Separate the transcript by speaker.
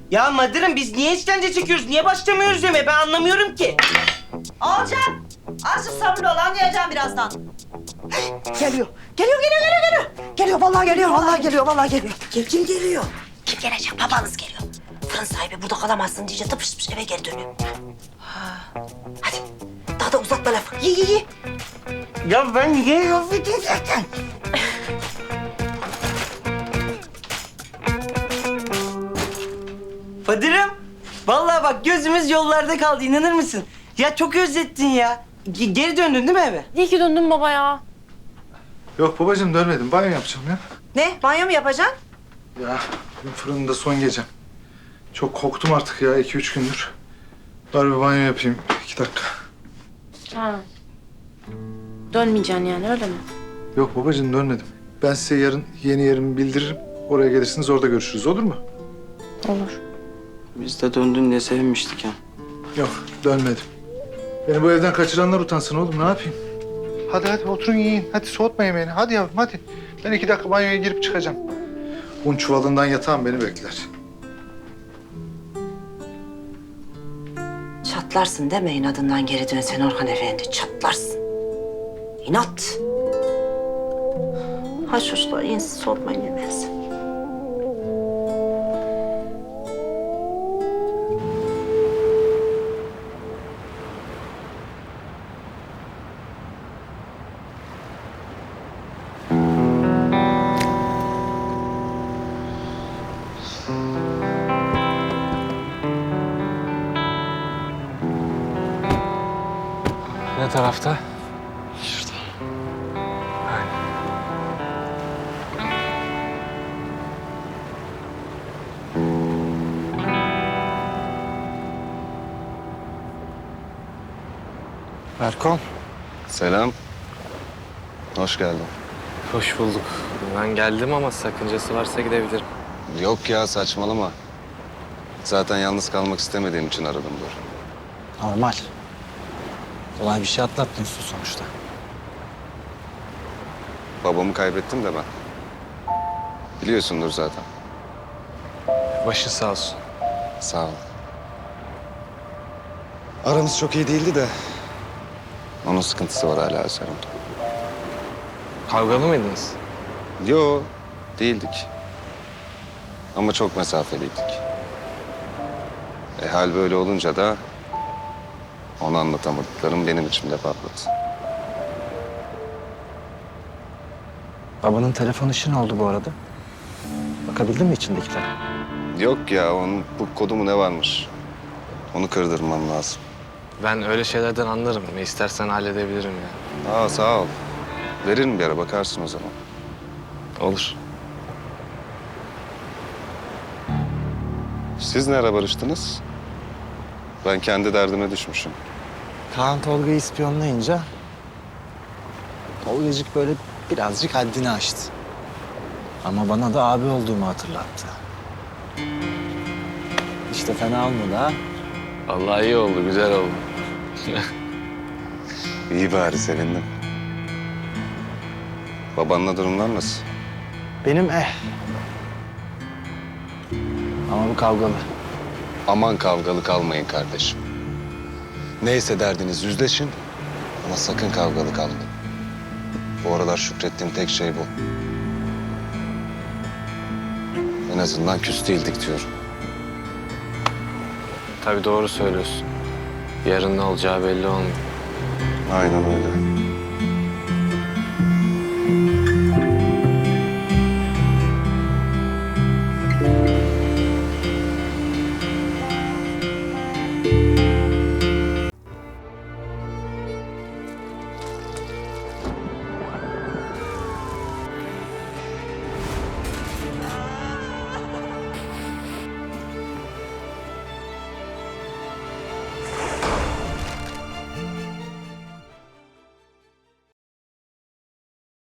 Speaker 1: Ya Madırım biz niye işkence çekiyoruz? Niye başlamıyoruz yemeğe? Ben anlamıyorum ki.
Speaker 2: Olacak. Azıcık sabırlı ol, anlayacağım birazdan. Geliyor. Geliyor, vallahi geliyor, vallahi geliyor. Kim geliyor? Kim gelecek? Babanız geliyor. Fırın sahibi burada kalamazsın diyece tıpış tıpış eve geri dönüyor. Hadi, daha da uzatma lafı. Ye.
Speaker 1: Ya ben niye laf edeyim zaten? Fadırım, vallahi bak gözümüz yollarda kaldı, inanır mısın? Ya çok özlettin ya. Geri döndün değil mi eve?
Speaker 3: İyi ki döndün baba ya.
Speaker 4: Yok babacığım dönmedim. Banyo yapacağım ya.
Speaker 2: Ne? Banyo mu yapacaksın?
Speaker 4: Ya bugün fırında son gecem. Çok korktum artık ya 2-3 gündür. Bari bir banyo yapayım 2 dakika.
Speaker 3: Ha. Dönmeyeceksin yani öyle mi?
Speaker 4: Yok babacığım dönmedim. Ben size yarın yeni yerimi bildiririm. Oraya gelirsiniz orada görüşürüz olur mu?
Speaker 3: Olur.
Speaker 1: Biz de döndün diye sevinmiştik ya.
Speaker 4: Yok dönmedim. Beni bu evden kaçıranlar utansın oğlum ne yapayım? Hadi oturun yiyin. Hadi soğutma yemeğini. Hadi yavrum hadi. Ben 2 dakika banyoya girip çıkacağım. Un çuvalından yatağım beni bekler.
Speaker 2: Çatlarsın deme inadından geri dönsen Orhan Efendi. Çatlarsın. İnat. Ha çocuklar yiyin siz soğutmayın yemeğinizi.
Speaker 5: Ne tarafta? Şurada. Aynen. Berkon.
Speaker 6: Selam. Hoş geldin.
Speaker 5: Hoş bulduk. Ben geldim ama sakıncası varsa gidebilirim.
Speaker 6: Yok ya saçmalama. Zaten yalnız kalmak istemediğim için aradım Dur.
Speaker 7: Normal. Kolay bir şey atlatmıyorsun sonuçta.
Speaker 6: Babamı kaybettim de ben. Biliyorsundur zaten.
Speaker 5: Başı sağ olsun.
Speaker 6: Sağ ol. Aramız çok iyi değildi de... onun sıkıntısı var hala üzerimde.
Speaker 5: Kavgalı mıydınız?
Speaker 6: Yo, değildik. Ama çok mesafeliydik. Hal böyle olunca da... ona anlatamadıklarım benim içimde patladı.
Speaker 7: Babanın telefon işi ne oldu bu arada? Bakabildin mi içindekilere?
Speaker 6: Yok ya, onun bu kodu mu ne varmış? Onu kırdırmam lazım.
Speaker 5: Ben öyle şeylerden anlarım. Ne istersen halledebilirim ya.
Speaker 6: Aa, sağ ol. Veririm bir ara, bakarsın o zaman.
Speaker 5: Olur.
Speaker 6: Siz ne ara barıştınız? Ben kendi derdime düşmüşüm.
Speaker 7: Kaan Tolga'yı ispiyonlayınca... Tolgacık böyle birazcık haddini aştı. Ama bana da abi olduğumu hatırlattı. İşte fena olmadı ha.
Speaker 5: Vallahi iyi oldu, güzel oldu.
Speaker 6: İyi bari, sevindim. Babanla durumlar nasıl?
Speaker 7: Benim Ama bu kavgalı.
Speaker 6: Aman kavgalı kalmayın kardeşim. Neyse derdiniz yüzleşin ama sakın kavgalı kalmayın. Bu aralar şükrettiğim tek şey bu. En azından küs değildik diyorum.
Speaker 5: Tabii doğru söylüyorsun. Yarın ne olacağı belli olmuyor.
Speaker 6: Aynen öyle.